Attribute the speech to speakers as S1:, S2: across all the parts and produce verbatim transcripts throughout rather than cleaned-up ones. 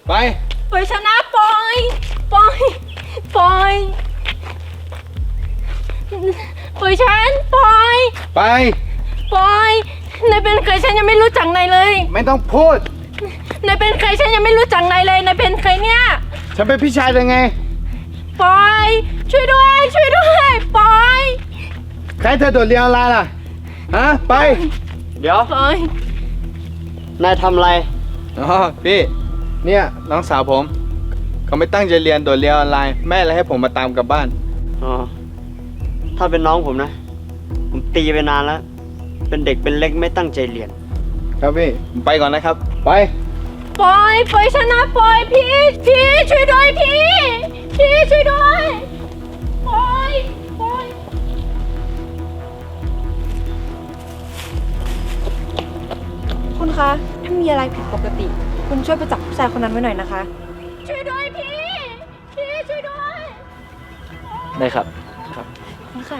S1: ไป
S2: ปล่อยฉันนะปล่อยปล่อยปล่อยปล่อยฉันปล่อย
S1: ไป
S2: ปล่อยนายเป็นใครฉันยังไม่รู้จักนายเลย
S1: ไม่ต้องพูด
S2: นายเป็นใครฉันยังไม่รู้จักนายเลยนายเป็นใครเนี่ย
S1: ฉันเป็นพี่ชายยังไง
S2: ปล่อยช่วยด้วยช่วยด้วยปล่อย
S1: ใครเธอโดดเรียนออนไลน์ล่ะฮะไป
S3: เดี๋ยว
S2: ปล่อย
S3: นายทำอะไร
S1: อ๋อพี่เนี่ยน้องสาวผมเขาไม่ตั้งใจเรียนโดดเรียนออนไลน์แม่เลยให้ผมมาตามกลับบ้าน
S3: อ๋อถ้าเป็นน้องผมนะผมตีไปนานแล้วเป็นเด็กเป็นเล็กไม่ตั้งใจเรียน
S1: ครับพี่ผมไปก่อนนะครับไป
S2: ปล่อยปล่อยฉันนะปล่อยพี่พี่ช่วยด้วยพี่พี่ช่วยด้วยปล่อยปล่อย
S4: คุณคะถ้ามีอะไรผิดปกติคุณช่วยไปจับผู้ชายคนนั้นไว้หน่อยนะคะ
S2: ช่วยด้วยพี่พี่ช่วยด้วย
S3: ได้ครับ
S4: ครับคุณค่ะ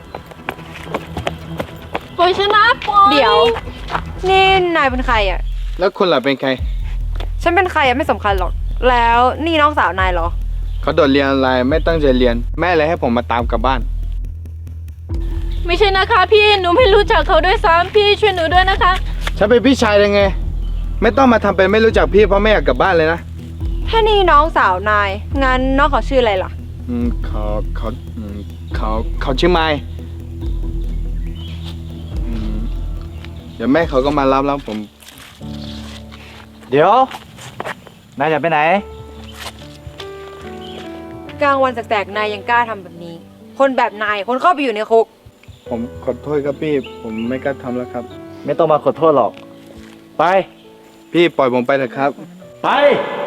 S2: ปล่อยฉันนะปล่อย
S4: เดี๋ยวนี่นายเป็นใครอ่ะ
S1: แล้วคุณล่ะเป็นใคร
S4: ฉันเป็นใครอ่ะไม่สำคัญหรอกแล้วนี่น้องสาวนายเหรอ
S1: เขาโดดเรียนออนไลน์ไม่ตั้งใจเรียนแม่เลยให้ผมมาตามกลับบ้าน
S2: ไม่ใช่นะคะพี่หนูไม่รู้จักเขาด้วยซ้ำพี่ช่วยหนูด้วยนะคะ
S1: ฉันเป็นพี่ชายยังไงไม่ต้องมาทำเป็นไม่รู้จักพี่เพราะไม่อยากกลับบ้านเลยนะ
S4: ถ้านี่น้องสาวนายงั้นน้องเขาชื่ออะไรล่ะ
S1: อืมเขาเขาอืมเขาเขาชื่อไมค์อืมเดี๋ยวแม่เขาก็มารับแล้วผม
S3: เดี๋ยวนายจะไปไหน
S4: กลางวันแสกๆนายยังกล้าทำแบบนี้คนแบบนายคนเข้าไปอยู่ในคุก
S1: ผมขอโทษครับพี่ผมไม่กล้าทำแล้วครับ
S3: ไม่ต้องมาขอโทษหรอกไป
S1: พี่ปล่อยผมไปเถอะครับ
S3: ไป